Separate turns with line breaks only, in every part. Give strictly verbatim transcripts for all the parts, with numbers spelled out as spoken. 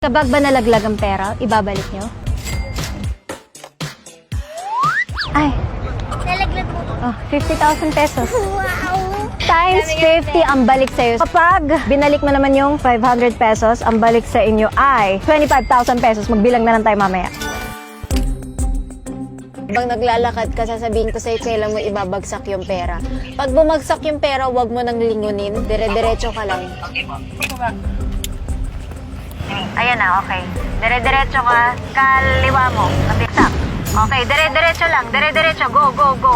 Kapag ba nalaglag ang pera, ibabalik nyo? Ay,
Nalaglag mo.
oh, fifty thousand pesos.
Wow!
Times fifty ang balik sa'yo. Kapag binalik mo naman yung five hundred pesos, ang balik sa inyo ay twenty-five thousand pesos. Magbilang na lang tayo mamaya. Pag naglalakad ka, sasabihin ko sa'yo kailan mo ibabagsak yung pera. Pag bumagsak yung pera, huwag mo nang lingunin. Dire-diretso ka lang. Ayan na, okay. Dire-diretso ka, kaliwa mo. Kabiksak. Okay, dire-diretso lang. Dire-diretso. Go, go, go.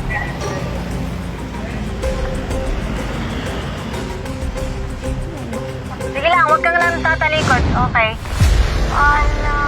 Sige lang, huwag kang lang tatalikod. Okay. Ala.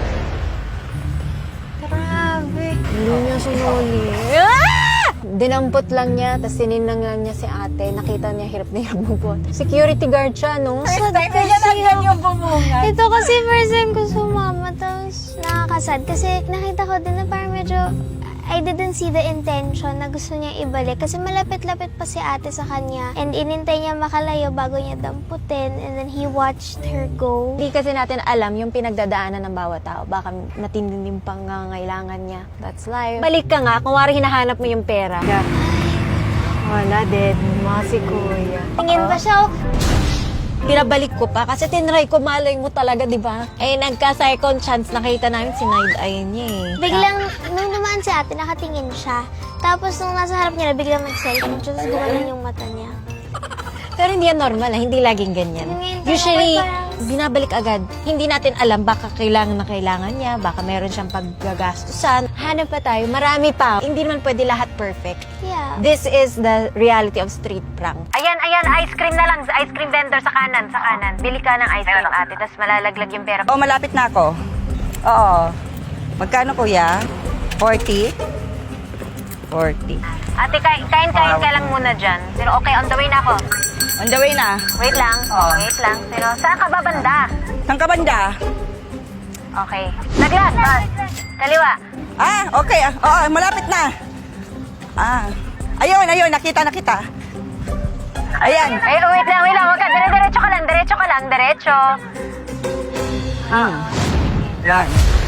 Grabe. Hindi niya sinuli. Ah! Dinampot lang niya, tapos sininang lang niya si ate. Nakita niya hirap na hirap magbuhat. Security guard siya, no?
First time na yan hanggang yung bumungan. Ito kasi first time ko sumama, tapos nakakasad. Kasi nakita ko din na parang medyo, I didn't see the intention na gusto niya ibalik. Kasi malapit-lapit pa si ate sa kanya. And inintay niya makalayo bago niya damputin. And then he watched her go.
Hindi kasi natin alam yung pinagdadaanan ng bawat tao. Baka matinding din pangangailangan niya. That's life. Balik ka nga, kung wari hinahanap mo yung pera. Yeah. Wala, dead mo si kuya.
Tingin pa siya, oh.
Pinabalik ko pa kasi tinry ko, malay mo talaga, di ba? Eh, nagka-second chance, nakita namin sinide-eye niya eh.
Biglang, nung naman si ate, nakatingin siya. Tapos nung nasa harap niya, biglang mag-cellphone siya, tapos gumanon yung mata niya.
Pero hindi yan normal, ah. Hindi laging ganyan.
Ngayon,
Usually,
parang-
binabalik agad. Hindi natin alam, baka kailangan na kailangan niya, baka meron siyang paggagastusan. Hanap pa tayo, marami pa. Hindi naman pwede lahat perfect.
Yeah.
This is the reality of street prank. Ayan, ayan, ice cream na lang. Ice cream vendor sa kanan, sa kanan. Bili ka ng ice cream, ate, tapos malalaglag yung pera.
Oh, malapit na ako. Oo. Magkano kuya? forty? forty.
Ate, kain, kain, kain ka lang muna dyan. Pero okay, on the way na ako.
On the way na.
Wait lang,
Oo.
wait lang. Pero saan ka ba banda?
Saan ka banda?
Okay. Laglag, bas. Kaliwa.
Ah, okay. ah, Oo, malapit na. Ah. Ayun, ayun. Nakita, nakita. Ayan.
Ay, oh, wait lang, wait lang. Wag ka. Dire-diretso ka lang, diretso ka lang, diretso.
Hmm. Yan.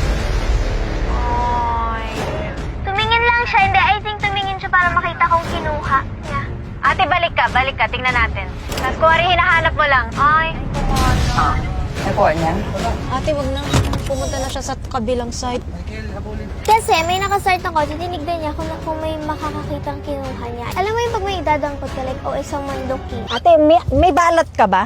Oy.
Tumingin lang siya, hindi, I think tumingin siya para makita kung kinuha niya.
Ate, balik ka, balik ka. Tingnan natin. Tapos kuwari hinahanap mo lang. Ay, kumano.
Nakuha niya.
Ate, wag na. Pumunta na siya sa kabilang side.
Kasi may nakastart ng kotse, tinignan niya kung, kung may makakakitang kinuha niya. Alam mo yung pag may idadampot ka, like, oh, isang mandoki.
Ate, may, may balat ka ba?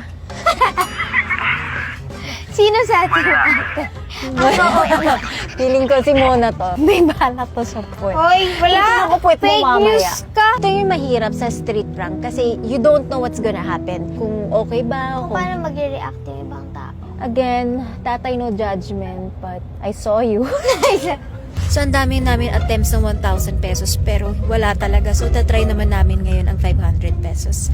Sino sa atin? ate?
Feeling ko si Mona to. May balat to sa puwet.
Hoy, wala!
Ako puwet mo
Fake
mamaya.
news ka!
Ito yung mahirap sa street prank kasi you don't know what's gonna happen. Kung okay ba o
Kung
kung...
paano magre-react yung ibang tao.
Again, tatay no judgment, but I saw you. So, ang dami namin attempts ng one thousand pesos pero wala talaga. So, tatry naman namin ngayon ang five hundred pesos.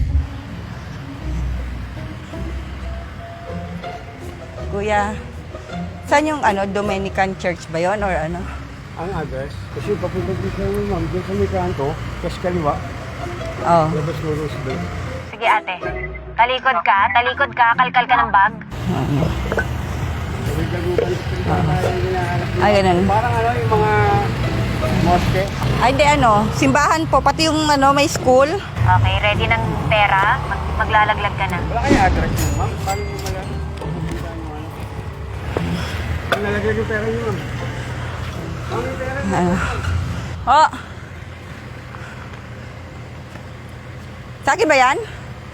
Kuya, saan yung ano, Dominican Church ba yon or ano?
Ang address, kasi papunta dito yung ma'am, doon sa may kanto, kasi kaliwa,
Oh.
labas mo Roosevelt.
Sige ate, talikod ka, talikod ka, kalkal ka ng bag.
Ay, ganun.
Parang ano, yung mga moske.
Ay, hindi ano, simbahan po, pati yung ano, may school.
Okay, ready ng pera? Mag maglalaglag ka na.
Wala kayo address yun, ma'am? Paano mo mala? Ang nalagay yung pera niyo, ma'am. Ma'am, yung pera niyo.
Ano? Oh. Sa akin ba yan?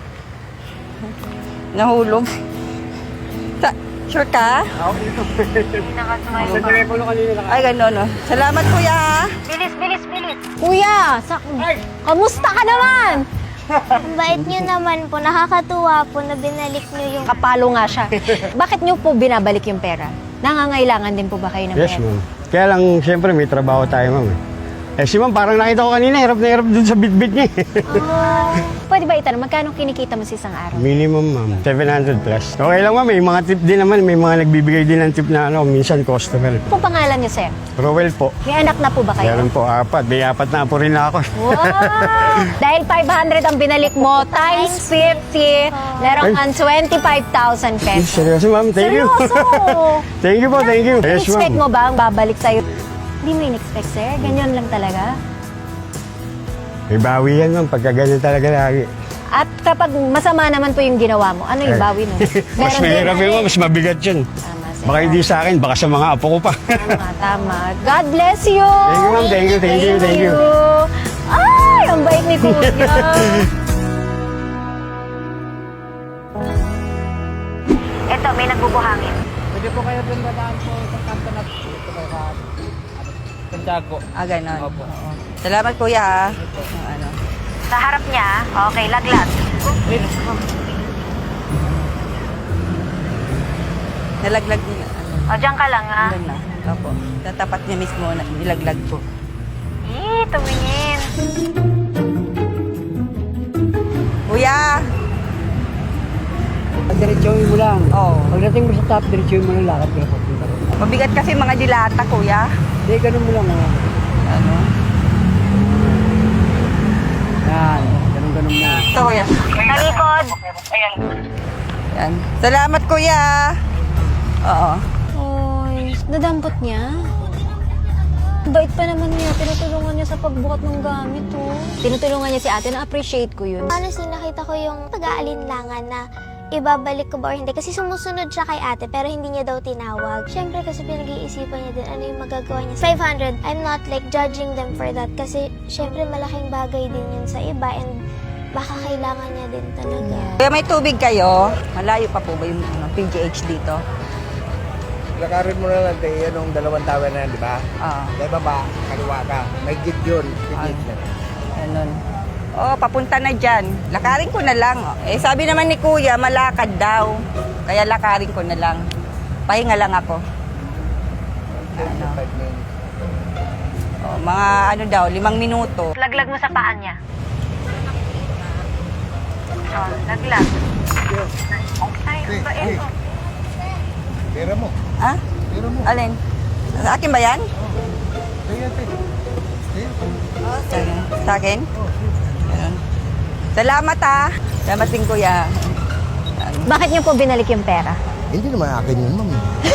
Nahulog. Sa, sure ka?
Ako dito.
Hindi nakasumay.
Sa telepono kanina lang.
Ay, gano'n, no. Salamat, kuya.
Bilis, bilis, bilis. Kuya, sa kamusta ka naman?
Ang bait niyo naman po, nakakatuwa po na binalik niyo yung...
Kapalo nga siya. Bakit niyo po binabalik yung pera? Nangangailangan din po ba kayo ng
Yes,
pera?
ma'am. Kaya lang, siyempre, may trabaho tayo, ma'am. eh. Eh si ma'am, parang nakita ko kanina, hirap na hirap dun sa bitbit niya. eh.
Pwede ba itanong, magkano kinikita mo sa isang araw?
Minimum ma'am, seven hundred plus. Okay lang ma'am, may mga tip din naman, may mga nagbibigay din ng tip na ano, minsan customer.
Kung pangalan niyo, sir?
Rowell po.
May anak na po ba kayo?
Meron po apat, may apat na po rin na ako.
Wow! Dahil five hundred ang binalik mo, times fifty, meron kang twenty-five thousand
Eh,
pesos.
seryoso ma'am, thank you.
Seryoso!
Thank you po, thank you. Yes
In-expect mo
ma'am.
ba ang babalik sa'yo? Hindi mo in-expect, sir. Ganyan lang talaga.
May bawi yan ma'am, pagka ganyan talaga lagi.
At kapag masama naman po yung ginawa mo, ano yung bawi nun?
Mas
Meron din.
mahirap yun ma'am, mas mabigat yun.
Tama, sir.
Baka hindi sa akin, baka sa mga apo ko pa.
Tama, tama. God bless you!
Thank you, ma'am. Thank you, thank you, thank you.
Ay, ang bait ni Kuya. Eto, may nagbubuhangin.
Pwede po kayo doon dadaan po sa kanto na ito kayo ka Santiago.
Ah, ganon.
Opo.
Oo. Salamat kuya ha. Ano.
Sa harap niya, okay, laglag.
Nalaglag nila. Ano.
O, dyan ka lang, ha?
Doon na. Opo. Sa tapat niya mismo, na- nilaglag ko.
Eh, tumingin.
Kuya!
Diretsuhin mo lang.
Oo.
Pagdating mo sa top, diretsuhin mo lang lakad ka na papunta ron.
Mabigat kasi mga dilata, kuya.
Hindi, ganun mo lang. Oh.
Ano?
Yan, ganun-ganun mo.
Ito, kuya.
Talikod.
Yan. Salamat, kuya. Oo.
Oy, nadampot niya. Ang bait pa naman niya. Tinutulungan niya sa pagbukat ng gamit, oh. Tinutulungan niya si ate. Na-appreciate ko yun.
Honestly, nakita ko yung pag-aalinlangan na ibabalik ko ba or hindi. Kasi sumusunod siya kay ate pero hindi niya daw tinawag. Siyempre kasi pinag-iisipan niya din ano yung magagawa niya. five hundred, I'm not like judging them for that kasi siyempre malaking bagay din yun sa iba and baka kailangan niya din talaga.
Kuya, may tubig kayo? Malayo pa po ba yung ano, P G H dito?
Lakarin mo na lang tayo yung dalawang tower na yan, di ba?
Oo.
Dahil baba, kaliwa ka. May git yun. May git na.
Ganun. Oh, papunta na dyan. Lakarin ko na lang. Eh, sabi naman ni kuya, malakad daw. Kaya lakarin ko na lang. Pahinga lang ako. Ano?
Five minutes.
Oh, mga ano daw, limang minuto.
Laglag mo sa paan niya. Oh, laglag. Ay, ang bait, oh.
Pera mo.
Ha?
Pera mo.
Alin? Sa akin ba yan?
Kaya, te. Kaya.
Sige. Sa akin? Ganun. Salamat ha. Salamat din kuya.
Bakit niyo po binalik yung pera?
Hindi naman akin yun, ma'am.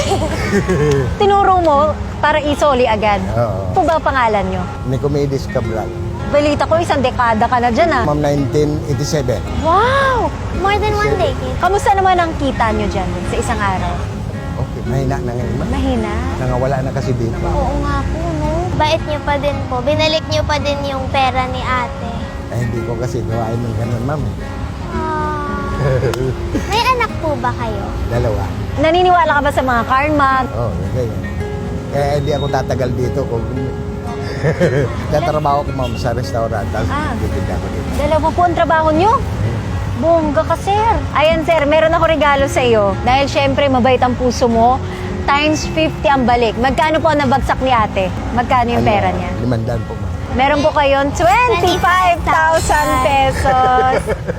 Tinuro mo para isoli agad.
Oo.
Po ba pangalan niyo?
Nicomedes Cabral.
Balita ko, isang dekada ka na dyan, ah.
Ma'am, nineteen eighty-seven.
Wow!
More than one day.
Kamusta naman ang kita niyo dyan sa isang araw?
Okay, mahina na ngayon, ma'am.
Mahina?
Nangawala na kasi dito.
Oo nga po, no?
Bait niyo pa din po. Binalik niyo pa din yung pera ni ate.
Eh, hindi ko kasi gawain ng ganun, ma'am.
Ah. May anak po ba kayo?
Dalawa.
Naniniwala ka ba sa mga karma?
Oo, oh, ganyan. Kaya hindi ako tatagal dito kung tatrabaho ko, ma'am, sa restaurant. Tapos
Ah.
titinda ko dito.
Dalawa po ang trabaho niyo? Bongga ka, sir. Ayan, sir, meron ako regalo sa iyo. Dahil syempre, mabait ang puso mo. Times fifty ang balik. Magkano po ang nabagsak ni ate? Magkano yung pera niya?
Limandaan po, ma'am.
Meron po kayong twenty-five thousand pesos.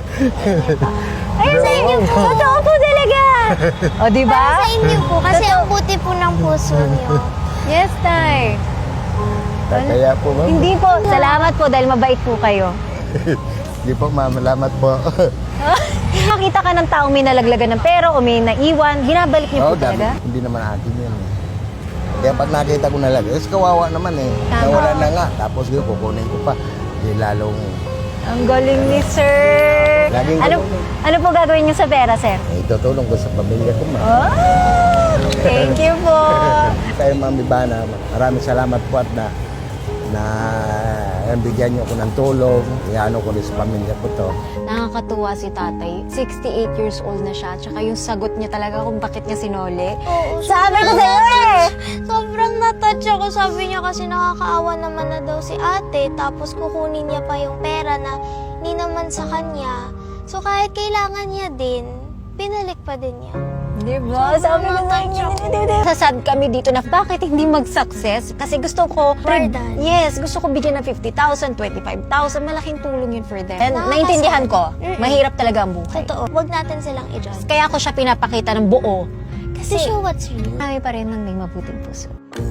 Ayun sa inyo po. Totoo po talaga. O, di ba?
Para sa inyo po kasi ang buti po ng puso niyo.
Yes, Tay.
Kaya po, ma'am.
Hindi po. Salamat po dahil mabait po kayo.
Hindi po, ma'am. Salamat po.
Makita ka ng taong may nalaglagan ng pera o may naiwan, binabalik niyo po
Oo, dami.
talaga?
Hindi naman akin yan. eh. Kaya pag nakita ko na lang, eh, kawawa naman eh.
Tama.
Nawala na nga. Tapos yun, kukunin ko pa. Di lalong,
Ang galing ni sir.
Laging
Ano,
ganun
ano po gagawin niyo sa pera, sir?
eh, itutulong ko sa pamilya ko, ma'am.
Oh, thank you po.
Kayo, ma'am Ibana, maraming salamat po at na na bigyan niyo ako ng tulong. Iano ko rin sa pamilya ko to.
Nakakatuwa si tatay. sixty-eight years old na siya. Tsaka yung sagot niya talaga kung bakit niya sinole.
Oo,
Sabi ko sa'yo eh!
Sobrang natouch ako. Sabi niya kasi nakakaawa naman na daw si ate. Tapos kukunin niya pa yung pera na hindi naman sa kanya. So kahit kailangan niya din, pinalik pa din niya.
Di ba? Sabi ko sa inyo, sasad kami dito na bakit hindi mag-success? Kasi gusto ko,
For them.
yes, gusto ko bigyan ng fifty thousand, twenty-five thousand, malaking tulong yun for them. And
Nakakasad.
naintindihan ko,
Mm-mm.
mahirap talaga ang buhay.
Totoo. Huwag natin silang i-judge.
Kaya ko siya pinapakita ng buo.
Kasi show what's real.
Kami pa rin ng may mabuting puso.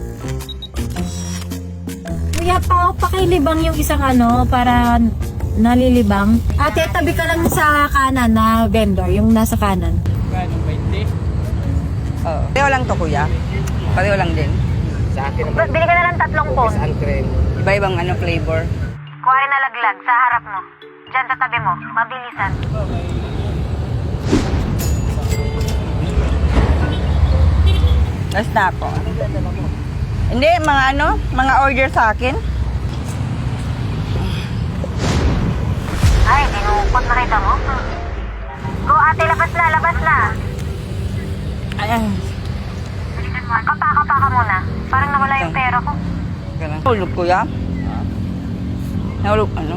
Kuya, pa, pakilibang yung isang ano, para nalilibang. Ate, tabi ka lang sa kanan na vendor, yung nasa kanan.
Gano'ng twenty?
Oo. Pareho lang to, kuya. Pareho lang din.
Sa akin naman,
Bili ka na lang tatlong phone.
ang cream.
Iba-ibang ano flavor.
Kuha rin na laglag sa harap mo. Diyan sa tabi mo, mabilisan.
Last na ako. Hindi, mga ano, mga order sa akin.
Ay, dinukot na kita mo. Go ate, labas na, labas na.
Ayan.
Bilisan mo. Kapa-kapa ka muna. Parang nawala yung pera ko.
Nahulog, kuya. Nahulog, ano?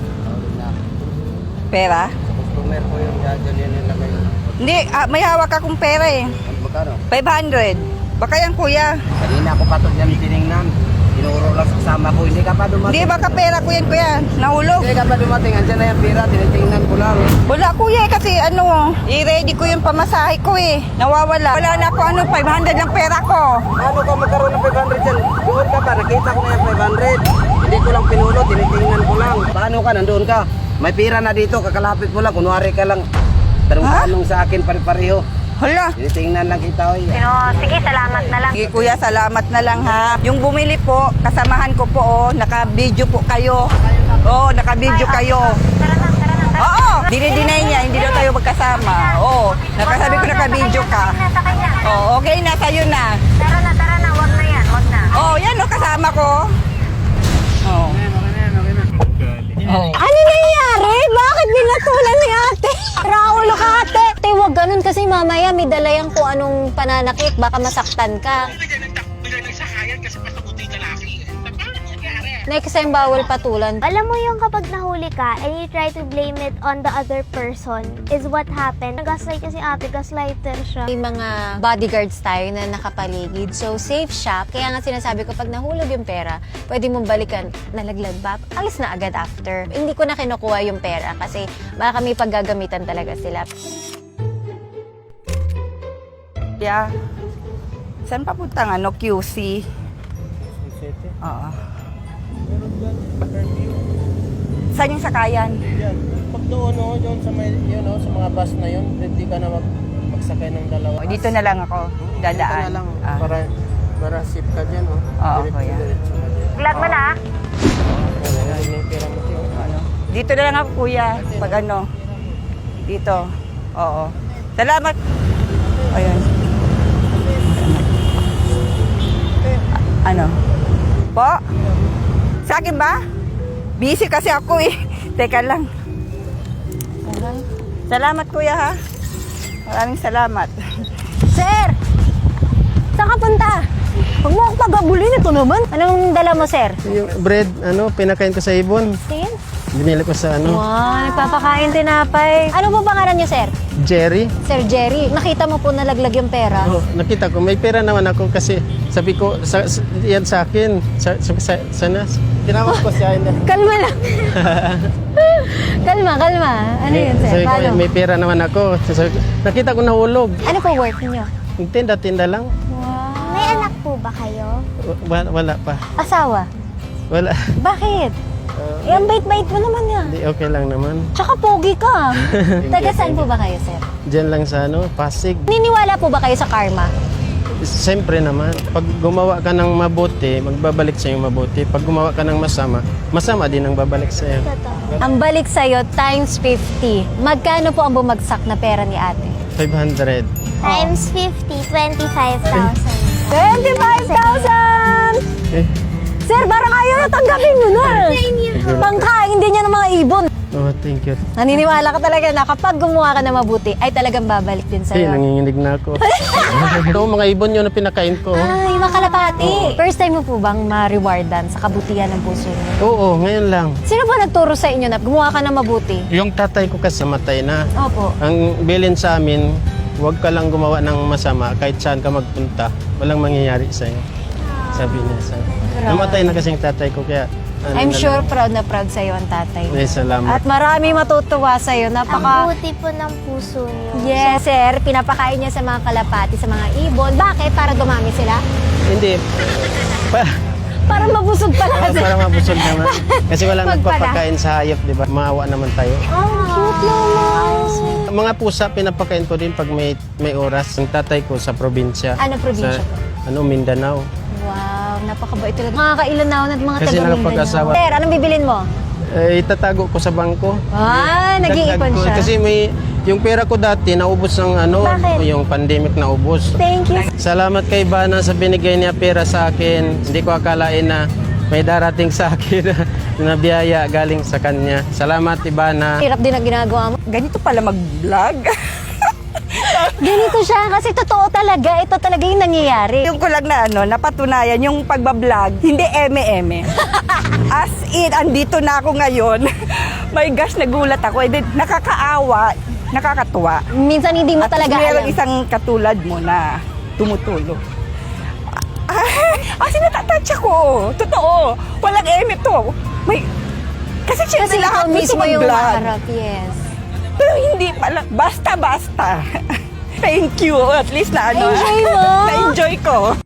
Pera?
Customer ko yung gaganyan nila kayo.
Hindi, ah, may hawak akong pera eh.
Magkano?
five hundred. Baka yan, kuya.
Kanina ako pa ito dyan tinignan. Tinuro lang sa kasama ko. Hindi ka pa dumating.
Hindi, baka pera ko yan, kuya. Nahulog.
Hindi ka pa dumating. Andyan na yung pira. Tinitingnan ko lang.
Wala, kuya, eh, kasi ano, i-ready ko yung pamasahe ko eh. Nawawala. Wala na ako, ano, five hundred lang pera ko.
Paano ka magkaroon ng five hundred dyan? Doon ka pa. Nakita ko na yung five hundred. Hindi ko lang pinuno. Tinitingnan ko lang. Paano ka? Nandoon ka. May pira na dito. Kakalapit mo lang. Kunwari ka lang. Tanong-tanong sa akin pare-pareho.
Hala.
Tinitingnan lang kita. Oy.
Pero, sige, salamat na lang.
Sige, kuya, salamat na lang ha. Yung bumili po, kasamahan ko po, oh, naka-video po kayo. Oo, oh, naka-video kayo.
Tara na, tara na.
Oo, dinidinay niya, hindi daw tayo magkasama. Oo, nakasabi ko naka-video ka.
Nasa kanya.
Oo, okay na, sa'yo na.
Tara na, tara na. Wag na yan, wag na.
Oo, yan o, kasama ko. Oo. Oh.
Ano nangyari? Bakit binatulan ni ate? Raulo ka ate. Ate, wag ganun kasi mamaya may dala yan kung anong pananakit. Baka masaktan ka. Next time, bawal patulan.
Alam mo yung kapag nahuli ka and you try to blame it on the other person is what happened. Gaslight kasi ate, gaslighter siya.
May mga bodyguards tayo na nakapaligid. So, safe siya. Kaya nga sinasabi ko, pag nahulog yung pera, pwede mong balikan, nalaglag ba? Alis na agad after. Hindi ko na kinukuha yung pera kasi baka may paggagamitan talaga sila.
Yeah. Saan papuntang ano, Q C? Oo. Saan yung sakayan?
Yan. Pag doon, no, doon sa, may, yun, no, sa mga bus na yun, hindi ka na mag, magsakay ng dalawa.
O, dito na lang ako. Dadaan.
Dito na lang.
Ah.
Para, para safe ka dyan. Oh.
Oo,
Diretso,
kuya.
diretso ka dyan.
Vlog mo na.
Wala na yung pera mo, tiyo.
Ano? Dito na lang ako, kuya. Pag ano. Dito. Oo. Salamat. Ayun. Ano? Po? Sa akin ba? Busy kasi ako eh. Teka lang. Salamat, kuya, ha? Maraming salamat.
Sir! Saan ka punta? Huwag mo akong pagabulin. Ito naman. Anong dala mo, sir?
Yung bread, ano, pinakain ko sa ibon.
Tingin.
Binili ko sa, ano,
Wow, nagpapakain tinapay. Ano po pangalan niyo, sir?
Jerry.
Sir Jerry, nakita mo po nalaglag yung pera.
Oh, nakita ko, may pera naman ako kasi sabi ko, sa, sa, yan sa akin. Sa, sa, sa, sana, tinawag ko siya. na.
Kalma lang. kalma, kalma. Ano yun, sir?
Sabi ko,
Paano?
may pera naman ako. Sabi ko, nakita ko nahulog.
Ano po work niyo?
Tinda-tinda lang.
Wow.
May anak po ba kayo?
Wala, wala pa.
Asawa?
Wala.
Bakit? Eh, ang bait-bait mo naman nga.
Hindi, okay lang naman.
Tsaka pogi ka. Taga saan po ba kayo, sir?
Diyan lang sa ano, Pasig.
Niniwala po ba kayo sa karma?
Siyempre naman, pag gumawa ka ng mabuti, magbabalik sa iyo mabuti. Pag gumawa ka ng masama, masama din ang babalik sa iyo.
Totoo.
Ang balik sa'yo, times fifty. Magkano po ang bumagsak na pera ni ate?
five hundred.
Times fifty, twenty-five thousand.
twenty-five thousand!
Eh,
Sir, parang ayaw na tanggapin mo na. Pangkain din niya ng mga ibon.
oh, thank you.
Naniniwala ka talaga na kapag gumawa ka na mabuti, ay talagang babalik din
Eh,
sa'yo.
nanginginig na ako. Ito, mga ibon yun na pinakain ko.
Ay, makalapati. First time mo po bang ma-rewardan sa kabutihan ng puso niyo?
Oo, ngayon lang.
Sino ba nagturo sa inyo na gumawa ka na mabuti?
Yung tatay ko kasi matay na.
Opo.
Ang bilin sa amin, huwag ka lang gumawa ng masama kahit saan ka magpunta. Walang mangyayari sa'yo. Sabi niya sa namatay na kasing tatay ko kaya ano
I'm
na
sure
lang.
proud na proud sa'yo ang tatay.
Eh, salamat.
At marami matutuwa sa'yo.
Ang
Napaka...
buti po ng puso niyo.
Yes, sir. Pinapakain niya sa mga kalapati, sa mga ibon. Bakit? Para dumami sila?
Hindi. Pa,
Para mabusog pala.
para, para mabusog naman. Kasi walang
Wag pala.
nagpapakain sa hayop, di ba? Maawa naman tayo.
Oh, cute naman.
Mga pusa, pinapakain ko din pag may may oras. Ang tatay ko sa probinsya.
Ano probinsya
Sa,
po?
ano, Mindanao.
Wow, napakabait talaga. Mga kailanawon at mga
Kasi
taga
nakapag-asawa.
Mindanao. Sir, anong bibilin mo?
Eh, itatago ko sa bangko.
Ah, nag-iipon
Dagdag ko.
siya.
Kasi may, yung pera ko dati, naubos ng ano,
Bakit?
yung pandemic naubos.
Thank you.
Salamat kay Bana sa binigay niya pera sa akin. Hindi ko akalain na may darating sa akin na biyaya galing sa kanya. Salamat, Ibana.
Hirap din ang ginagawa mo.
Ganito pala mag-vlog.
Ganito siya kasi totoo talaga. Ito talaga yung nangyayari.
Yung ko lang na ano, napatunayan yung pagbablog, hindi eme-eme. As in, andito na ako ngayon. My gosh, nagulat ako. Eh, di- nakakaawa, nakakatuwa.
Minsan hindi mo
At
talaga
meron
alam.
isang katulad mo na tumutulong. Ah, kasi natatouch ako. Totoo. Walang eme to. May, kasi
Kasi
syempre
ikaw
lahat gusto
mismo yung
mag-vlog.
maharap. Yes.
Pero hindi pala. Basta-basta. Thank you. At least na ano.
Enjoy mo.
Na-enjoy ko.